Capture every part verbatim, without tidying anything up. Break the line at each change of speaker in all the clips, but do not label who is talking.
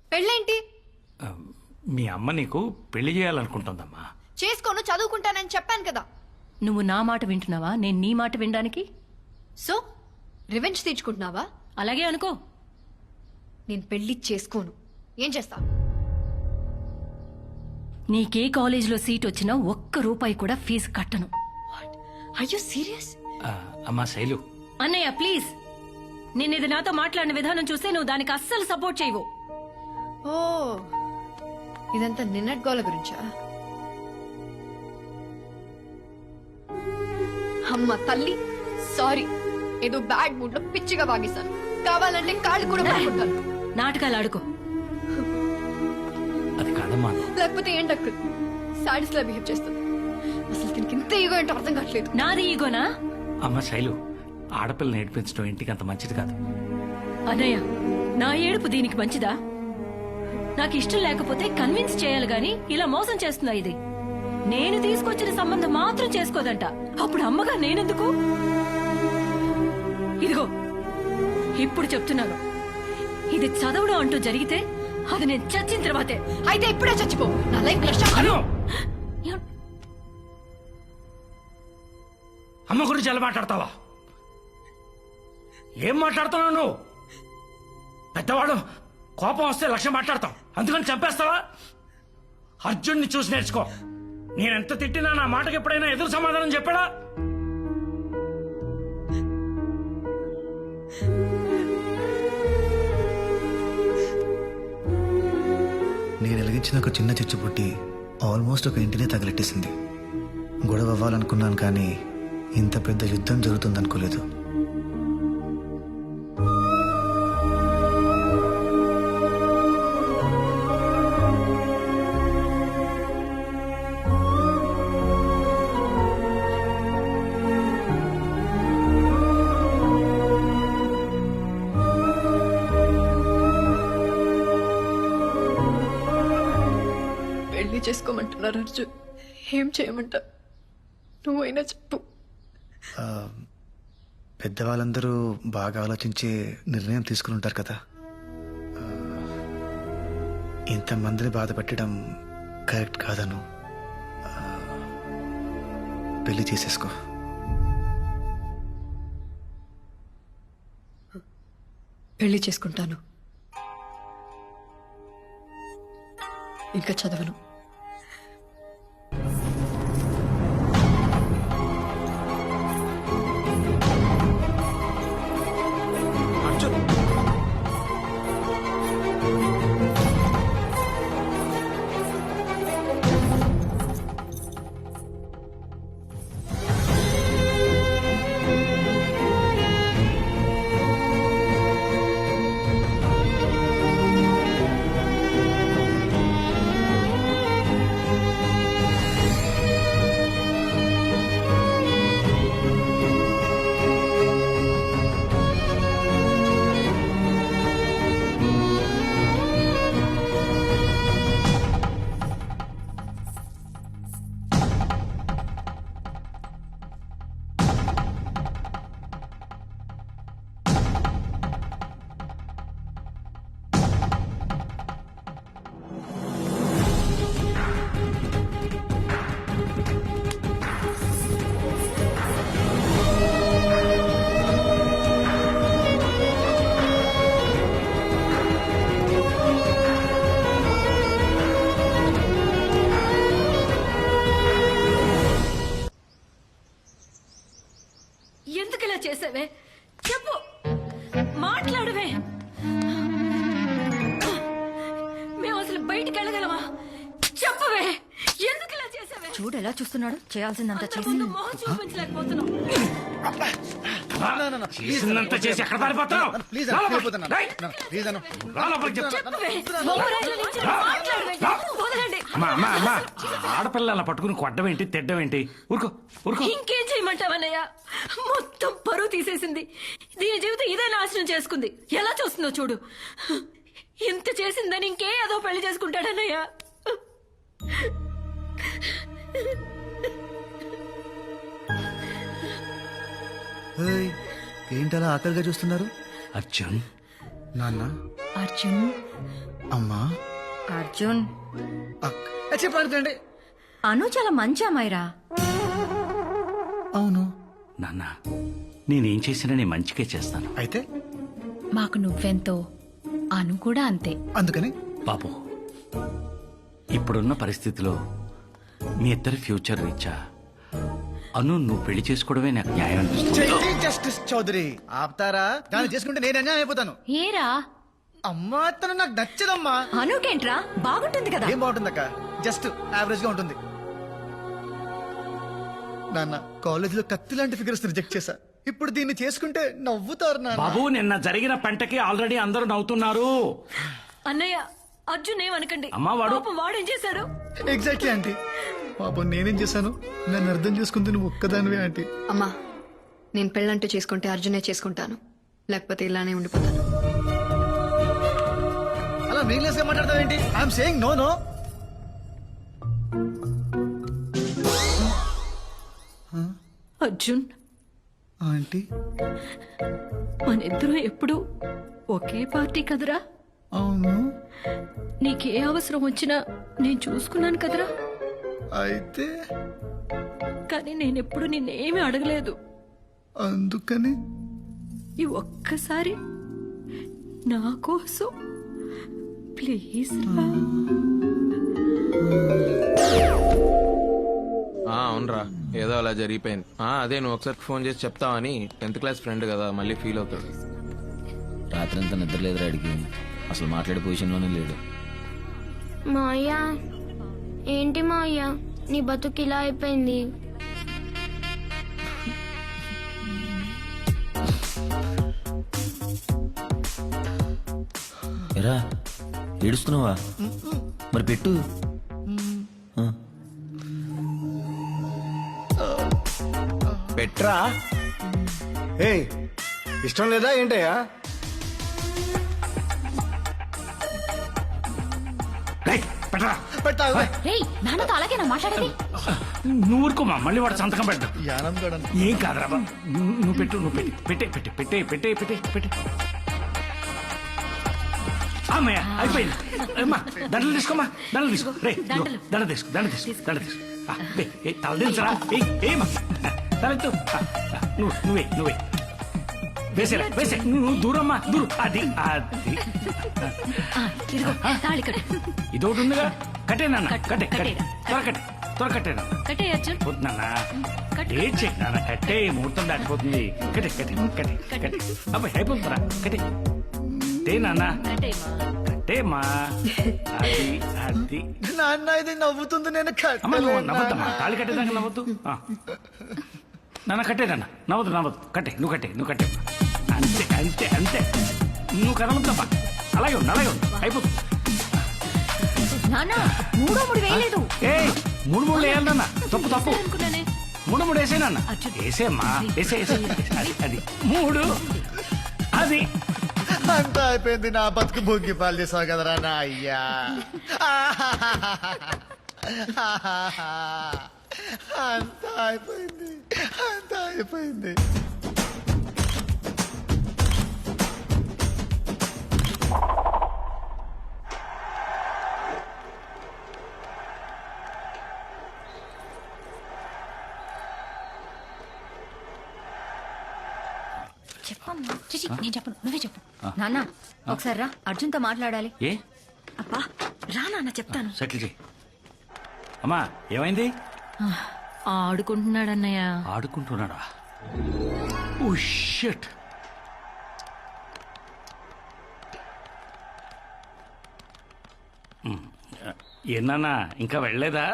పెళ్ళేంటి?
ఆ, మీ అమ్మ నీకు పెళ్లి చేయాలనుకుంటుందమ్మా.
చేసుకోను, చదువుకుంటానని చెప్పాను కదా.
నువ్వు నా మాట వింటున్నావా, నేను నీ మాట వినడానికి?
సో రివెంజ్ తీర్చుకుంటున్నావా?
అలాగే అనుకో.
నేను పెళ్లి చేసుకోను. ఏం చేస్తా?
నీకే కాలేజీలో సీట్ వచ్చినా ఒక్క రూపాయి కూడా ఫీజు కట్టను.
Are you serious?
ఆ, అమ్మా శైలు,
అన్నయ్య ప్లీజ్, నేనేది నాతో మాట్లాడిన విధానం చూస్తే నువ్వు దానికి అస్సలు సపోర్ట్ చేయవు.
ఓ, ఇదంతా నిన్నటి గోల గురించా? అమ్మ తల్లి, సారీ. ఏదో బ్యాడ్ మూడ్ లో పిచ్చిగా వాగేశాను. కావాలంటే కాళ్ళు కూడా పట్టుకుంటాను.
నాటకాలు ఆడుకో.
అది కాదమ్మా.
లేకపోతే ఏంటక్క సాడీస్ లా బిహేవ్ చేస్తుంది. అసలు దీనికి ఇంత ఈగో ఏంటో అర్థం కావట్లేదు.
నాది ఈగోనా?
అమ్మ శైలు, ఆడపిల్ల నేర్పించడం ఇంటికి అంత మంచిది కాదు.
అన్నయ్య, నా ఏడుపు దీనికి మంచిదా? నాకు ఇష్టం లేకపోతే కన్విన్స్ చేయాలి గాని ఇలా మోసం చేస్తుందా ఇది? నేను తీసుకొచ్చిన సంబంధం మాత్రం చేసుకోదంట. అప్పుడు అమ్మగా నేనెందుకు? ఇదిగో ఇప్పుడు చెప్తున్నాను, ఇది చదవడం అంటూ జరిగితే అది నేను చచ్చిన తర్వాతే.
అయితే ఇప్పుడే చచ్చిపో. నా లైఫ్
హలో, అమ్మ గురించి ఎలా మాట్లాడతావా? ఏం మాట్లాడుతున్నావు నువ్వు? పెద్దవాడు కోపం వస్తే లక్ష్యం మాట్లాడతావు, అందుకని చంపేస్తావా? అర్జున్ని చూసి నేర్చుకో. నేనెంత తిట్టినా నా మాటకి ఎప్పుడైనా ఎదురు సమాధానం చెప్పాడా?
నేను వెలిగించిన ఒక చిన్న చిచ్చు పుట్టి ఆల్మోస్ట్ ఒక ఇంటినే తగలెట్టేసింది. గొడవ అవ్వాలనుకున్నాను కానీ ఇంత పెద్ద యుద్ధం జరుగుతుందనుకోలేదు.
పెళ్లి చేసుకోమంటున్నారు అర్జున్. ఏం చేయమంటా? నువ్వైనా చెప్పు.
ఆ, పెద్దవాళ్ళందరూ బాగా ఆలోచించే నిర్ణయం తీసుకుని ఉంటారు కదా. ఆ, ఇంతమందిని బాధ పెట్టడం కరెక్ట్ కాదను. ఆ, పెళ్లి చేసేసుకో.
పెళ్లి చేసుకుంటాను. ఇంకా చదవను.
ఎందుకు ఇలా చేసావే? చెప్పు, మాట్లాడవే. మేము అసలు బయటికి వెళ్ళగలమా? చెప్పవే, ఎందుకు ఇలా చేసావే? చూడు ఎలా చూస్తున్నాడు. చేయాల్సిందంతా చేసి మొహం చూపించలేకపోతున్నావు.
చేసిందంత చేసి ఎక్కడ పారిపోతున్నావు?
చెప్పవే, మొహరాయిల నుంచి మాట్లాడవే. వదలండి.
అమ్మా అమ్మా అమ్మా, ఆడపిల్లల పట్టుకుని కొట్టడం ఏంటి, తిట్టడం ఏంటి? ఊరుకో ఊరుకో.
ఇంకేం చేయమంటావన్నయ్య? మొత్తం పరువు తీసేసింది. దీని జీవితం ఇదే నాశనం చేసుకుంది. ఎలా చూస్తుందో చూడు. ఇంత చేసిందని ఇంకే ఏదో పెళ్లి చేసుకుంటాడన్నయ్య.
ఏంటలా ఆకలిగా చూస్తున్నారు?
అర్జున్,
నాన్న,
అర్జున్
అమ్మా,
అర్జున్
అక్క చెప్పండి.
అను చాలా మంచి అమ్మాయిరా.
అవును,
నాన్న నేనేం చేసినా నేను మంచిగా చేస్తాను.
అయితే
మాకు నువ్వెంతో అను కూడా అంతే.
అందుకని
బాబు ఇప్పుడున్న పరిస్థితిలో మీ ఇద్దరి ఫ్యూచర్ రీచా అను నువ్వు పెళ్లి చేసుకోవడమే నాకు న్యాయం అనిపిస్తుంది.
జస్టిస్ చౌదరి ఆపుతారా? దాన్ని చేసుకుంటే నేను అన్యాయం అయిపోతాను.
ఏరా
అమ్మా తను నాకు నచ్చదమ్మా.
అనుకేంట్రా బాగుంటుంది కదా.
ఏం బాగుంటుందక్క, జస్ట్ యావరేజ్ గా ఉంటుంది. నాన్న కాలేజ్ లో కత్తి లాంటి ఫిగర్స్ రిజెక్ట్ చేశా. ఇప్పుడు దీన్ని చేసుకుంటే నవ్వుతారు నాన్న.
బాబు నిన్న జరిగిన పంటకి ఆల్రెడీ అందరూ నవ్వుతున్నారు.
అన్నయ్య అర్జున్ ఏమనకండి.
అమ్మా, వాడు-
పాపం వాడేం చేశాడు?
Exactly aunty. పాపం నేనేం చేశాను? నన్ను అర్థం చేసుకుంది నువ్వు ఒక్కదానివే ఆంటీ.
అమ్మా నేను పెళ్ళంటూ చేసుకుంటే అర్జునే చేసుకుంటాను, లేకపోతే ఇలానే ఉండిపోతాను.
అలా మీనింగ్లెస్ గా మాట్లాడతావేంటి? I'm saying no no.
Arjun
aunty
మనిద్దరం ఎప్పుడు ఒకే పార్టీ కదరా.
అవును.
నీకే అవసరం వచ్చినా నేను చూసుకున్నాను కదరా.
అయితే
కానీ నేనెప్పుడు నిన్నేమీ అడగలేదు.
అందుకని
ఈ ఒక్కసారి నా కోసం ప్లీజ్ రా.
ఆ, అవునరా, ఏదో అలా జరిగిపోయింది. ఆ, అదే నువ్వు ఒకసారి ఫోన్ చేసి చెప్తావని. టెన్త్ క్లాస్ ఫ్రెండ్ కదా, మళ్ళీ ఫీల్ అవుతాడు.
రాత్రంతా నిద్ర లేదురా అడిగి, అసలు మాట్లాడే పొజిషన్లోనే లేడు.
మాయా ఏంటి మాయా నీ బతుకు ఇలా అయిపోయింది?
ఎరా ఏడుస్తున్నావా? మరి పెట్టు. ఆ.
పెట్రా.
ఏ ఇష్టం లేదా ఏంటయ్యా?
రేయ్, పెట్టరా.
పెట్టావా?
రేయ్ నాన్నతో అలాగే నా మాట్లాడేది.
నువ్వు ఊరుకోమా, మళ్ళీ వాడు సంతకం పెట్టు.
యానం కూడా
ఏం కాదురా బాబు. నువ్వు నువ్వు పెట్టు, నువ్వు పెట్టి పెట్టే పెట్టే పెట్టే పెట్టే పెట్టే పెట్టే అమ్మయ్య అయిపోయింది. అమ్మా దండలు తీసుకోమ్మా, దండలు తీసుకో. రే ఇదిగో, దండ తీసుకో, దండ తీసుకో, దండ తీసుకో. ఆ, ఏ, ఏ, తల దించరా. ఏమా తలెత్తు. ఆ, ఆ, నువ్వు నువ్వే నువ్వే వేసేరా వేసే. నువ్వు దూరమ్మా దూరం. అది అది
ఆ, ఇదిగో తాళి కట్టు.
ఇదొకటి ఉందిగా. కట్టేనన్న
కట్టు,
కట్టే కట్టే
కట్టేరా.
త్వర కట్టే త్వర కట్టేనా.
కట్టే అర్జున్.
పోతున్నానా
కట్టు.
ఏం చేయనా. కట్టే ముహూర్తం దాటిపోతుంది. కట్టే కట్టే కట్టే కట్టే. అబ్బాయి అయిపోతుందిరా. కట్టే కట్టే నాన్న
కట్టేయమ్మా.
కట్టేమా. అది అది
నాన్న ఇది నవ్వుతుంది, నేను
అమ్మ నువ్వు
కట్టలేను
నవ్వద్దమ్మా.
నాన్న.
తాళి కట్టేదాకా నవ్వద్దు. ఆ. నాన్న కట్టేదన్న నవ్వద్దు నవ్వద్దు. కట్టే నువ్వు కట్టే నువ్వు కట్టే. అంతే అంతే అంతే. నువ్వు కదలొద్దమ్మా. అలాగే ఉంది అలాగే ఉంది. అయిపోతుంది.
నాన్న మూడో మూడు వేయలేదు.
ఏ మూడు మూడు వేయాలన్న. తప్పు తప్పు.
అనుకున్నానే.
మూడు మూడు వేసేనన్న. వేసేమ్మా వేసే వేసే. అది అది మూడు. అది
అంతా అయిపోయింది. నా బతుకు భోగి పాలు చేసావు కదరా నా అయ్యా. అంతా అయిపోయింది, అంతా అయిపోయింది.
చెప్పమ్మా. చిచి నేను చెప్పను, నువ్వే చెప్పు.
నాన్న ఒకసారి రా, అర్జున్తో మాట్లాడాలి.
ఏ
అబ్బా రా నాన్న చెప్తాను.
సెటిల్ చేయి. అమ్మా ఏమైంది?
ఆడుకుంటున్నాడన్నయ్య.
ఆడుకుంటున్నాడా? Oh shit. ఏనా ఇంకా వెళ్ళలేదా?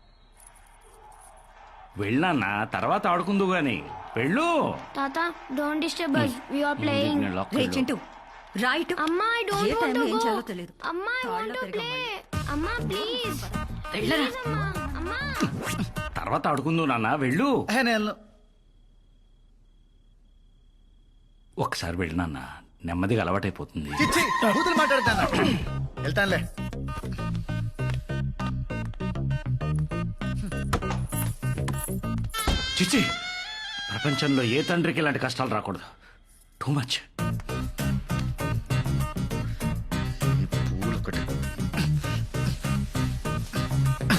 వెళ్ళానా తర్వాత ఆడుకుందు గాని. వెళ్ళు.
తాత don't disturb us, we are playing.
నేను lock
రే
వెళ్ళు.
చింటూ రైట్.
అమ్మా I don't
ఏ
want
టైంలో
to
ఏం
go.
చేయాలో తెలియదు.
అమ్మా I want to
తాళ్ళలో
play. అమ్మా ప్లీజ్
వెళ్ళరా.
అమ్మా అమ్మా.
తర్వాత ఆడుకుందు నాన్న. వెళ్ళు.
ఏ, నేను వెళ్ళను.
ఒకసారి వెళ్ళు నాన్న, నెమ్మదిగా అలవాటైపోతుంది.
చిచ్చి కూతురు మాట్లాడతాను. వెళ్తానులే.
చిచ్చి ప్రపంచంలో ఏ తండ్రికి ఇలాంటి కష్టాలు రాకూడదు. Too much.